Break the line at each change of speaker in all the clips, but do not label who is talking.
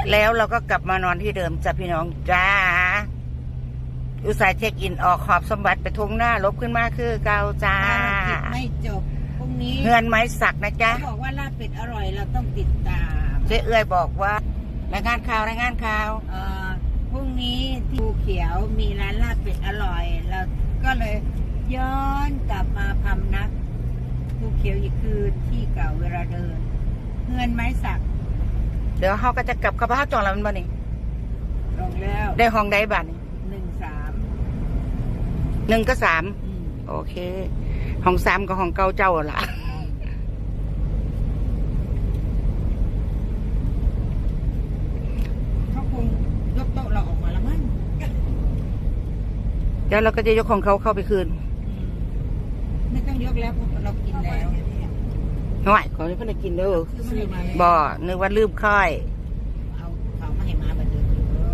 แล้วเราก็กลับมานอนที่เดิมจ้ะพี่น้องจ้าอุตส่าห์เช็คอินออกขอบสมบัติไปทุ่งหน้าลบขึ้นมาคือเก่าจ้า
ไม่จบพรุ่งนี้
เฮือนไม้สักนะจ๊ะ
เขาบอกว่าลาบเป็ดอร่อยเราต้องติดตาม
เจ๊เอื้อยบอกว่ารายงานข่าว
พรุ่งนี้ที่ภูเขียวมีร้านลาบเป็ดอร่อยเราก็เลยย้อนกลับมาพำนักภูเขียวอีกคืนที่เก่าเวลาเดินเฮือนไม้สัก
เดี๋ยวเขาก็จะกลับเข้าบ้านจองแล้วมันบ่นี่
ลงแล้ว
ได้ห้องใดบ้านนี่1 กับ 3โอเคห้อง3กับห้องเก่าเจ้าล่ะ
เขาคงยกโต๊ะเราออกมาแล้วมั้ง
เดี๋ยวเราก็จะยกของเขาเข้าไปคืน
ไม่ต้องยกแล้วเพราะเรากินแล้ว
หน่อยขอให้เพื่อนกินเด้อบ่นึกว่าลืมค่อย
เอาเขามาให้มาบัดเดิม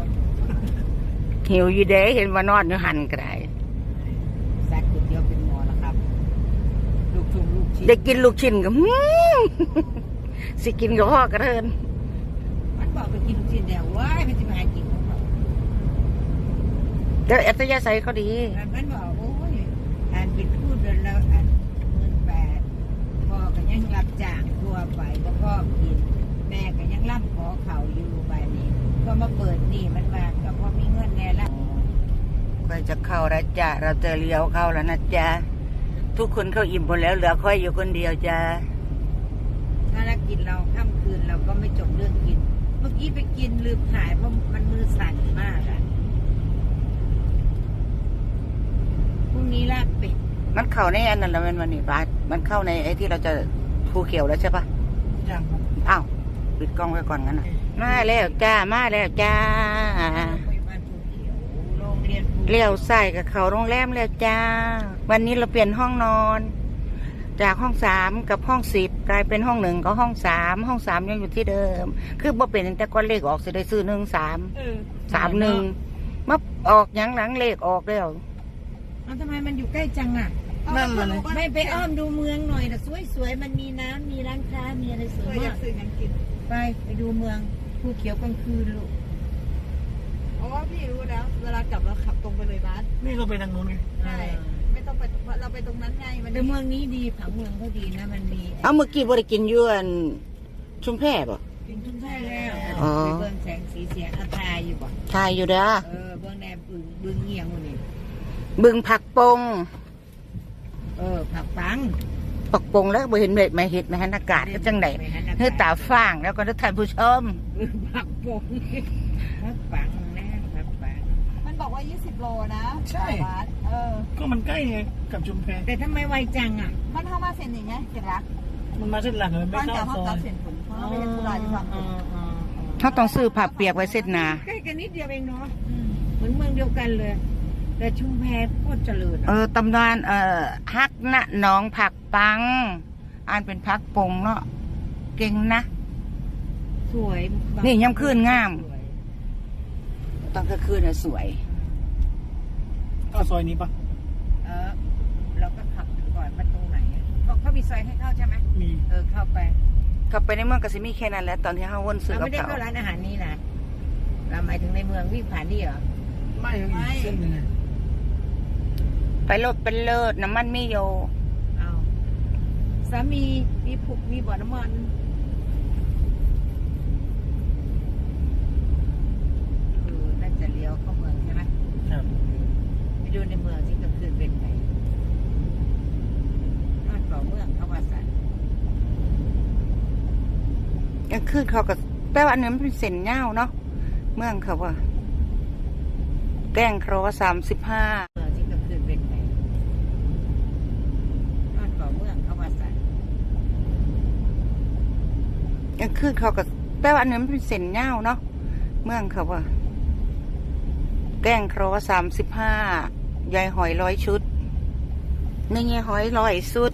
หิวอยู่เด้เห็นว่านอนอยู่หันก็ได้
แซ่บก๋วยเตี๋ยวเป็นหมอแล้วครับลูกชิ้น
ได้กินลูกชิ้นกับสิกินกับพ่อกระเทิน
มันบอกไปกินลูกชิ้นเดียวว้ายมันจะมาหากินของเขา
แต่อัตยาศัยเขาดี
มันบอกโอ้ยอันเป็นพูดแล้วอัน18,000พ่อก็ยังรับจ้างทั่วไปแล้วก็กินแม่ก็ยังรับขอเขาอยู่ใบนี้ก็มาเปิดนี่มันมาก็พอมีเงินแน่ละ
ค่อยจะเข้าแล้วจ้ะเราจะเลี้ยวเข้าแล้วนะจ๊ะทุกคนเข้าอิ่มหมดแล้วเหลือค่อยอยู่คนเดียวจ้ะ
ถ้าเรากินเราค่ำคืนเราก็ไม่จบเรื่องกินเมื่อกี้ไปกินลืมถ่ายเพราะมันมือสั่นมากอ่ะพรุ่งนี้ลาบเป็ด
มันเข้าในอันนั้นแล้วมันนี่บาสมันเข้าในไอ้ที่เราจะภูเขียวแล้วใช่ปะ
ยัง
อ้าวปิดกล้องไว้ก่อนงั้นนะมาแล้วจ้ามาแล้วจ้าเลี้ยวใส่กับเขาโรงแรมแล้วจ้าวันนี้เราเปลี่ยนห้องนอนจากห้อง3กับห้อง10กลายเป็นห้อง1กับห้อง3ห้อง3ยังอยู่ที่เดิมคือบ่เป็นแต่ก้อนเลขออกสิได้ซื้อ1331มาออกยังหลังเลขออกแล้ว
ทำไมมันอยู่ใกล้จังอ่ะ
นั่นเลย
ไม่ไปอ้อมดูเมืองหน่อยนะสวยๆมันมีน้ำมีร้านค้ามีอะไรสวยมากไปดูเมืองภูเขียวกลางคืนลูก
เพราะว่าพี่รู้แล้วเวลากลับเราขับตรงไปเลยบ้าน
นี่เราไปทางนู้นไง
ใช่ไม่ต้องไปเราไปตรงนั้นไง
แต่เมืองนี้ดีผังเมืองเขาดีนะมันมี
เอาเมื่อกี้บริกินยวนชุมแพป่ะ
กินชุมแพแล้วไปเบิ้งแสงสีเสียงทายอยู่ป่ะ
ทายอยู่เด้อ
เบิ้งแนบบึงเงียงวันนี้
บึงผักปง
ผักปัง
ปักปงแล้วบ่เห็นไม่เห็นไม่หันอากาศก็จังไหนเนื้อตาฟางแล้วก็นึกท่านผู้ชม
ผักปงผักปังนะผักปัง
มันบอกว่า20 โลนะ
ใช่ก็มันใกล้ไงกับชุมแพ
แต่ทำไมไวจังอ่ะ
มันเข้ามาเส้นอย่างเงี้ยเสร็จละ
มันมาเส้นหลักเลยไม่เข้าซอย
ไม่ใช่ตุลาที่ฟัง
เขาต้องซื้อผักเปียกไว้เส้นนา
ใกล้กันนิดเดียวเองเนาะเหมือนเมืองเดียวกันเลยแต่ชุมแพโคตรเจริญ
ตำนานฮักณหนองผักปังอ่านเป็นพักปงเนาะเก่งนะ
สวย
นี่ย้ำคืนงามตอนกลางคืนน่ะสวย
เข้าซอยนี้ปะ
เราก็ขับก่อนมาตรงไหนเขามีซอยให้เข้าใช่ไหม
มี
เข้า
ไปในเมืองก็สิมีแค่นั้นแหละตอนที่เขาวนซื้อกับเขา
ไม่ได้เข้าร้านอาหารนี้นะเราหมายถึงในเมืองวิ่งผ่านนี่เหรอ
ไม่เส้นนึง
ไปรถเป็นเลิศน้ำมันไม่โย
สามีมีผุกมีบ่อน้ำมันน่าจะเลี้ยวเข้าเมืองใช่ไหม
ครับ
ไปดูในเมืองที่กลางคืนเป็นไงบ้านเก่าเมืองเขาว่าสัน
กลางคืนเขาก็แต่ว่าอันนี้มันเป็นเส้นเงาเนาะเมืองเขาว่าแก้งครอ35กลางคืนเขาก็แต่ว่าอันนี้มันเป็นเส้นเงาเนาะเมืองเขาว่าแก้งครอ35ยายหอย100 ชุดนี่ยายหอย100 ชุด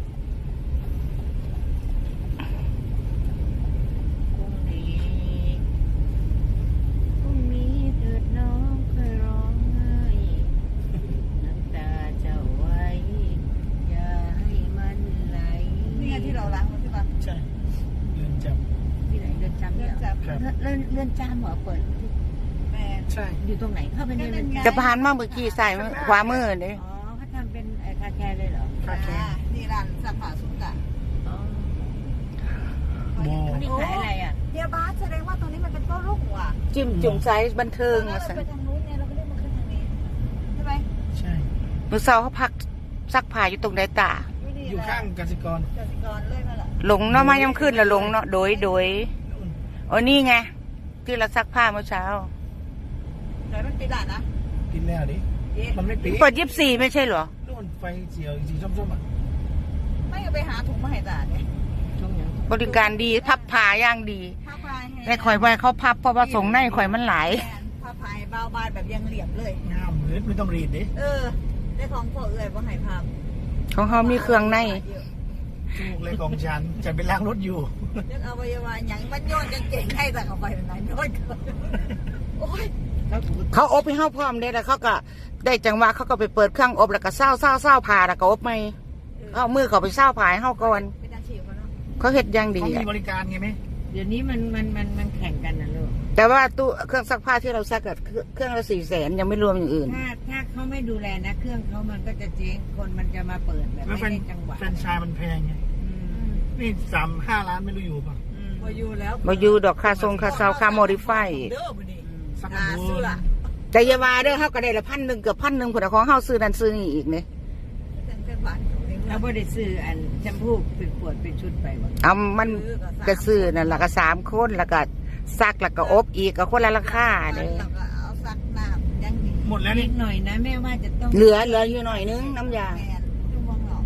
พรุ่งนี้เถิดน้องเคยร้องไห้น้ำตาเจ้าไว้อย่าให้มันไหล
นี่ไงที่เราล้างรถใช่ปะ
ใช่เรือนจำ
ที่ไหนเรือนจำเนี่ย
เรือน
อนจามเหรอเปิด
แม่
ใช่
อยู่ตรงไหนเข้าไปในเรือนจำ
จะผ่านมาเมื่อกี้ใส่ขวามือเด้
อ๋อเขาทำเป็นคาแคร์เลยเหรอ
ค่าแค่
นี่ร้านสักผ้าสุกะ
อ๋อ
โบ
เขานี่ขายอะไรอ่ะ
เฮียบาสแสดงว่าตรงนี้มันเป็นโต๊ะลูกว่ะ
จิ้มจุ่มไซส์บันเทิง
แล้ว
ว่า
เรา
ซั่น
ไปทางนู้นเนี่ยเราก็เล่นมาขึ้นทางนี้ใช่ไหม
ใช่
มื้อเช้าเขาพักซักผ้าอยู่ตรงใดตา
อยู่ข้างกสิกร
กสิกรเลยมาละ
หลงเนาะมายามขึ้นแล้วหลงเนาะโดย
นู่น
โอ้นี่ไงที่เราซักผ้าเมื่อเช้า
แต่มันปิดร้านนะ
กินแล้วดิ
เย้
มันไม่ปี
เปิด24ไม่ใช่เหรอ
นู่นไฟเสียวสีส้มๆอ่ะ
ไม่เอาไปหาถุงมาให้ตาเนี่ย
ช่วงยัง
บริการดีพับผ้าย่างดี
ผ้าพายให้
แต่ข่อยไว้เขาพับเพราะว่าส่งในข่อยมันหลาย
แอนผ้าพายเบาบานแบบยังเหลี่ยมเลย
งามเลยไม่ต้องรีดดิ
เออได้ของพ่อเอ๋ยว่าให้ภาพ
ของเขามีเครื่องใน
ถูกเลยของฉันไปล้างรถอยู่
เรื่องอวัยวะอย่างมันโยนกางเก่งให้แต่เขาไปเป็นไหนโยนเกินโอ้ย
เขาอบให้เฮาพร้อมเด้แล้วเขาก็ได้จังหวะเขาก็ไปเปิดเครื่องอบแล้วก็เศร้าผ่าแล้วก็อบใหม่เอามือเขาไปเศร้าผ่าให้เฮาก่อน
เป็นอาชีพเขาเนาะ
เขาเฮ็ดอย่างดี
เขามี
อะ
บริการไงไหม
เดี๋ยวนี้มันแข่งกันนะลูก
แต่ว่าตู้เครื่องซักผ้าที่เราซักอะเครื่องละ400,000ยังไม่รวมอย่างอื่น
ถ้าเขาไม่ดูแลนะเครื่องเขามันก็จะเจ๊งคนมันจะมาเปิดแบบ
แล้ว
ไม่ได้จังหวะ
แฟรนไชส์มันแพงไง
อืม
นี่3-5 ล้านไม่รู้อยู่ป่ะ
อืม
มาอยู่แล้ว
บ่อยู่ดอกค่าทรงค่าเซาค่าโมดิฟาย
เด้อบุนี่
สัก
หา
บู
เสื้อ
แต่อย่าว่าเด้อเฮาก็ได้ละ1,000เกือบ1,000พุ่นน่ะของเฮาซื้อนั่นซื้อนี่อีกเนี่ย
เป็นบาท
แล้วบ่ได้ซื้ออันแชมพูเป็นขวดเป็นชุดไปบ่
เอามันก็ซื้อนั่นล่ะก็3คนแล้วก็ซักแล้วก็อบอีกก็คนละราคาเด้
แล้วก็เอาซักน้ำยังดี
หมดแล้ว
นิ
นี่
ดหน่อยนะแม่ว่าจะต้อง
เหลืออยู่หน่อยนึงน้ำยา
แมนยุ่งมองหรอก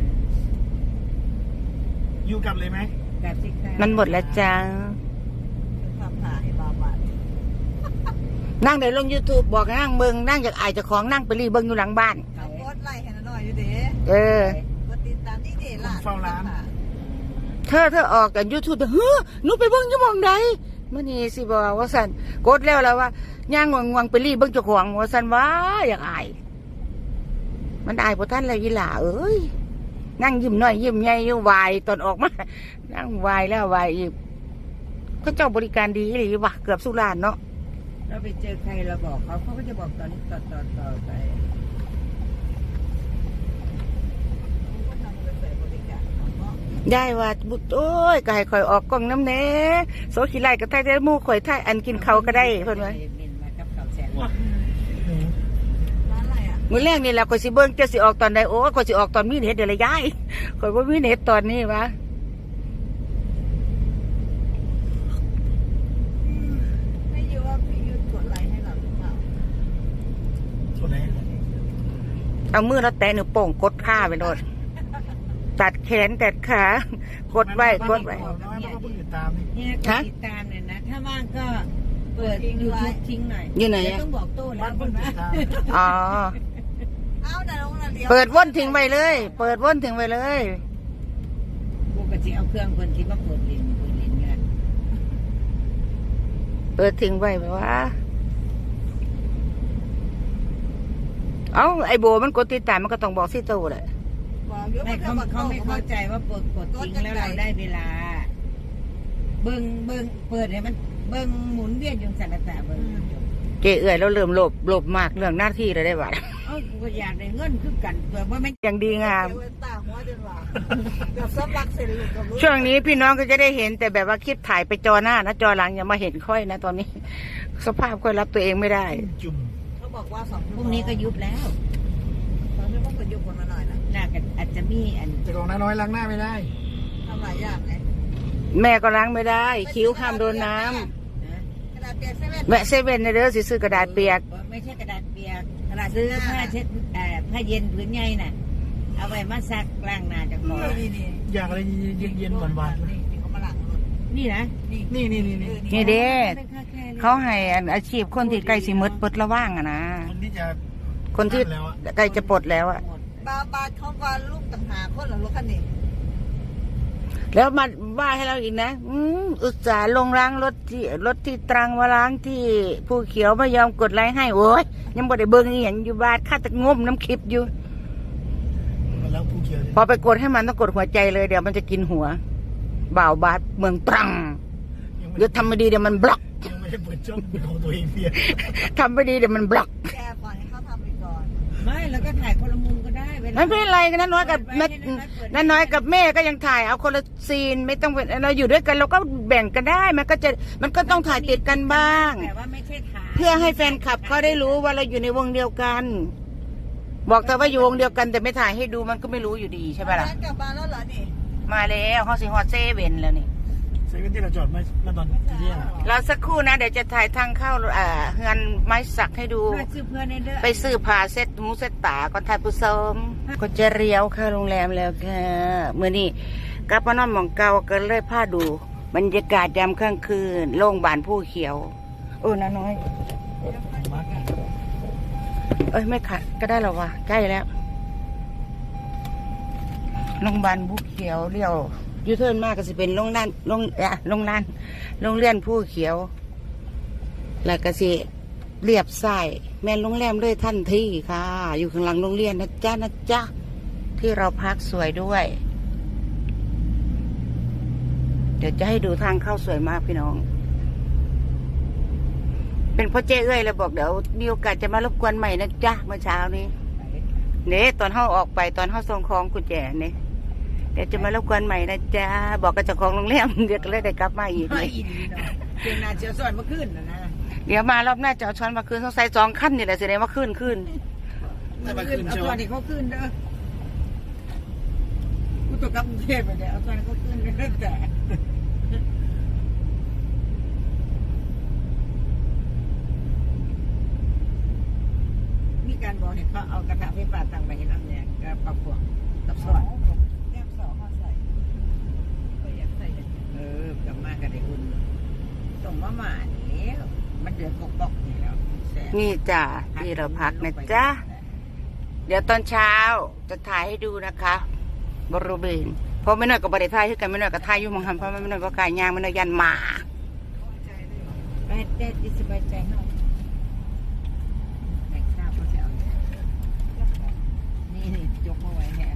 อยู่กลับเลยไหม
กับสิคะ
มันหมดแล้วจ้า
ทำผ่าให้บาบาท
นั่งได้ลง YouTube บอกนั่งเบิ่งนั่งจากอายเจ้าของนั่งไปรีเบิ่งอยู่หลังบ้าน
เอาโพสต์ไล่ให้หน่อยอยู่เด้
เออ
กดติดตามนี่เด้ล่ะ
เธอออกจาก YouTube เฮ้อหนูไปเบิ่งอยู่หม่องใดมื้อนี้สิบอกว่าซั่นกดแล้วว่าย่างงวงไปรีเบิ่งเจ้าของว่าซั่นว่าอยากอาย มันอายบ่ทันแล้วอีหล่าเอ้ยนั่งยิ้มน้อยยิ้มใหญ่อยู่วายตอนออกมานั่งวายแล้ววายอีกเขาเจ้าบริการดีอีหลีว่ะเกือบสุรานเนาะ
เราไปเจอใครเราบอกเขาก็จะบอกตอนนี้ต่อไป
ได้ว่าบุโอ้ยก็ให้ข่อยออกกล้องน้ำแหน่โซขี้ไล่ก็ไทยได้หมู่ข่อยไทยอันกินเขาวก็ได้เพิ่นว่า
เมนมากับข่าวแสน
ร้านอะไรอ่ะ
มื้อแรกนี่แหละข่อยสิเบิ่งจะสิออกตอนใดโอ้ยข่อยสิออกตอนมีเน็ตเดี๋ยวละยายข่อยบ่มีเน็ตตอนนี้วะ
ไม่อยู่ว่าพี่ยุดกดไลค์ให้เราหรือเปล่า
ส่วนไหน
เอามือแล้วแตะนิ้วโป้งกดขาไปโดดตัดแขนตัดขากดไว้กดไว้
น้อยมันก็เพิ่งติดตามนี่
เนี่ยกดติดตามเนี่ยนะ ถ้าว่างก็เปิด YouTube ทิ้งหน่อย
อยู่ไหน
เดี๋ยว
อะ
ต้องบอกโต้แล้
บ้า
วน
เพิ่งติดตาม
อ๋อ
เอาแต่ลงน่ะเดียว
เปิดว่นทิ้งไว้เลย เปิดว่นทิ้งไว้เลย
ปกติเอาเครื่องคนที่มาเปิดเรียนไง
เปิดทิ้งไว้แบบว่า เอ้าไอโบมันกดติดตามมันก็ต้องบอกสิโตแหละ
บอกอยู่
ไม่
ว่า
เขาไม่เข้าใจว่าเปิดกดทิ้งแล้วเราได้เวลา เบิ้งเปิดให้มันเบิ้งหมุนเวียนอยู่สันตะเบิ้ง
เกเอื่อยแล้วเริ่มหลบมากเรื่องหน้าที่เลยได้บัด
เอ้ากูก็อยากได้เงินคือกันแต่ว่าไม่
อย่างดีงาม
เดี๋ยวตาหัวจนว่าเดี๋ยวซับรักเสร็จลูกกับลูก
ช่วงนี้พี่น้องก็จะได้เห็นแต่แบบว่าคลิปถ่ายไปจอหน้านะจอหลังอย่ามาเห็นค่อยนะตอนนี้ สภาพค่อยรับตัวเองไม่ได้
จุ่ม
เขาบอกว่า2
พรุ่งนี้ก็ยุบแล้ว
ตอนนี้ต้องไปยุบคนมาหน่อยนะ
น่าจะอาจจะมีอัน
แต่ของน้อยล้างหน้าไม่ได้
ทำหลายอย่างไง
แม่ก็ล้างไม่ได้ คิ้วห้ามโดนน้ำ
นะ
กระดาษเปียกเซเว่น
แวะเซเว่นในเด้อสิซื้อกระดาษเปียก
ไม่ใช่กระดาษเปียก
กระดาษ
ซื้อ
หน้า
ผ้าเช็ดผ้าเย็นผืนใหญ่น่ะ เอาไว้มาซักล้างหน้าจากคอ
นี่
อยากอะไรเย็นๆหวานๆ
นี่เขามาหลังรถ
นี่นะ
นี่
นี่
นี่เด้
เป็นค่าแค่นี้
เขาให้อันอาชีพคนที่ใกล้สิหมดเปิดระว่างอะนะ
คนที่จะ
คนที่ใกล้จะปลดแล้วอะ
บาเขาว่าลูกต่างหากคนหรอรถคันนี้
แล้วมาว่าให้เราอีกนะอุตส่าห์ลงล้างรถที่ตรังมาล้างที่ภูเขียวไม่ยอมกดไลค์ให้โอ้ยยังบ่ได้เบิ่งอีหยังอยู่บ้านข้าแต่งมน้ำคลิปอยู่
แล้วผู้เขียว
พอไปกดให้มันต้องกดหัวใจเลยเดี๋ยวมันจะกินหัวบ่าวบาดเมืองตรัง
ยังไม่
เดี๋ยวทำไม่ดีเดี๋ยวมันบล็อก
ยังไม่ได้เปิดช่องของตัวเองเพียง
ทำไม่ดีเดี๋ยวมันบล็อก
แกปล่อยให้เขาทำไปก่อน
ไม่แล้วก็ถ่ายคนละมุมก็ได้เวลา
ไม่เป็นไรกันน้อยกับแม่น้อยกับแม่ก็ยังถ่ายเอาคนละซีนไม่ต้องเป็นเราอยู่ด้วยกันเราก็แบ่งกันได้มันก็ต้องถ่ายติดกันบ้าง
แต่ว่าไม่ใช่ถ่าย
เพื่อให้แฟนคลับเขาได้รู้ว่าเราอยู่ในวงเดียวกัน บอกแต่ว่าอยู่วงเดียวกันแต่ไม่ถ่ายให้ดูมันก็ไม่รู้อยู่ดีใช่ไหมล่ะ
กลับบ้านแล้วเหรอนี่
มาแล้วเขาสิฮอตเซเว่นแล้วนี่
เซเว่นที่เราจอดมาตอนที่แยกอะ
เราสักครู่นะเดี๋ยวจะถ่ายทางเข้าเฮือนไม้สักให้ดู
เพื่อซื้อเพื่อนในเด้อ
ไปซื้อผ้าเซ็ตหมูเซ็ตตาก่อนถ่ายผู้ชมก็จะเลี้ยวเข้าโรงแรมแล้วค่ะเมื่อนี้กลับมานอนหมองเก่าก็เลยพาดูบรรยากาศยามค่ำคืนโล่งบานผู้เขียวน้าน้อย
มาร์ค
เอ้ยไม่ขัดก็ได้หรอวะใกล้แล้วโรงพยาบาลผู้เขียวเลี้ยวยูเทิร์นมากก็สิเป็นโรงเรียนโรงเรียนผู้เขียว แล้วก็สิเรียบใส่แม่นโรงแรมเลยทันทีค่ะ อยู่ข้างหลังโรงเรียนนะจ๊ะที่เราพักสวยด้วย เดี๋ยวจะให้ดูทางเข้าสวยมากพี่น้อง เป็นพ่อเจ้เอ้ยแล้วบอกเดี๋ยวมีโอกาสจะมารบกวนใหม่นะจ๊ะเมื่อเช้านี้เนี่ยตอนเข้าออกไปตอนเข้าส่งของกุญแจเนี่ยเดี๋ยวจะมารบกวนใหม่นะจ๊ะบอกกับเจ้าของโรงแรมเดี๋ยวก็เลยได้กลับมาอีก
ไม่อินดีเนาะเพียงนาเจียวสอนเมื่อคืนนะ
เดี๋ยวมารอบหน้าจะเอาช้อนมาคืนสงสัย2 ขั้นนี่แหละแสดงว่าขึ้น
ถ้ามาคืน
เอา
เชียว
ตัวนี้เขาขึ้นเด้อกูตกกับกรุงเทพไปเดี๋ยวเอาตัวนี้เขาขึ้นเด้อแต่มีการบอกให้เขาเอากระทะไฟฟ้าตั้งไปให้น้ำเนี่ยก็ปรับพวกกับสอน
แก้มสองเขาใส่
ก็อยากใส่กลับมากันได้อุ่นส่งมาหมานี่มันเดือดกอกๆนี่แล้วแซ่บ
นี่จ้ะที่เราพักนะจ๊ะเดี๋ยวตอนเช้าจะถ่ายให้ดูนะคะบริเวณเพราะไม่น้อยกับบริษัทที่กันไม่น้อยกับถ่ายอยู่หมองหันเพราะไม่น้อยก็กายยางไม่น้อยยันหมา
ไปแต่ดิสบายใจเนาะแบ่งข้าวเขาจะเอานี่ยกมาไว้แฮะ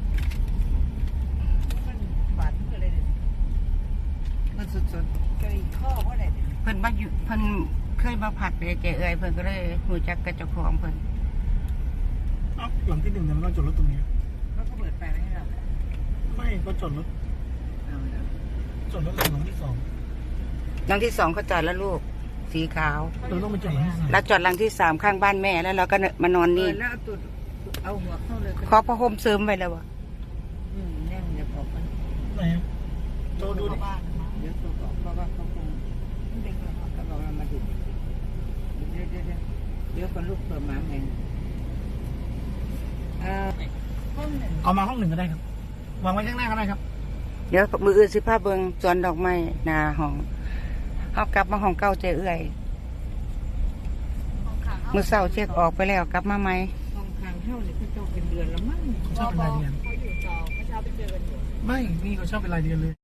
มันบาดมือเลยมันสุดๆเคยข้อเพราะอะไร
เพิ่นมาอยู่เพิ่นเคยมาผัดเลยเจเอ้ยเพิ่นก็เลยหูจักกับเจ้าของเพิ่น
เอ้าหลังที่ 1เนี่ยมันต้องจอดรถตรงนี้
เขาก็เปิดไฟให้เรา
ไม่ก็จอดรถ
เอาแล้ว
จอดรถหลังที่ 2
หลังที่2เขาจอดแล้วลูกสีขาว
เราต้องไปจอดหลังที่
แล้วจอดหลังที่3ข้างบ้านแม่แล้วเราก็มานอน
เปิ
นี่
ดแล้วเอาตุดเอาหัวเข้าเลย
ขอพระห่มเสริมไว้แล้ววะ
แน่นจะบอกมัน
3ไหนอะโจดูดิ
บ้านมา
เดี๋ยวตัวบอกเพราะว่าเขาคงเด็กเขาก็บอกว่ามาดูเดี๋ยวคนลูกเปิดมาไง
ห้องหนึ่ง
เอามาห้อง 1ก็ได้ครับ วางไว้ข้างหน้าก็ได้ครับ
เดี๋ยวมืออื่นสิพาเบิงสวนดอกไม้หนาห้องเฮากลับมาห้องเก่าเจเอ้ย
ห้องขัง
มื้อเช้าเช็คออกไปแล้วกลับมาไหม
ห้องทางเข้าเนี่ยเขาจองเป็นเดือนแล้วมั้ง
เขาชอบเป็นรายเดือน
เขาอยู่จอเมื่อเช้าไปเจอกันอยู่
ไม่นี่เขาชอบเป็นรายเดือนเลย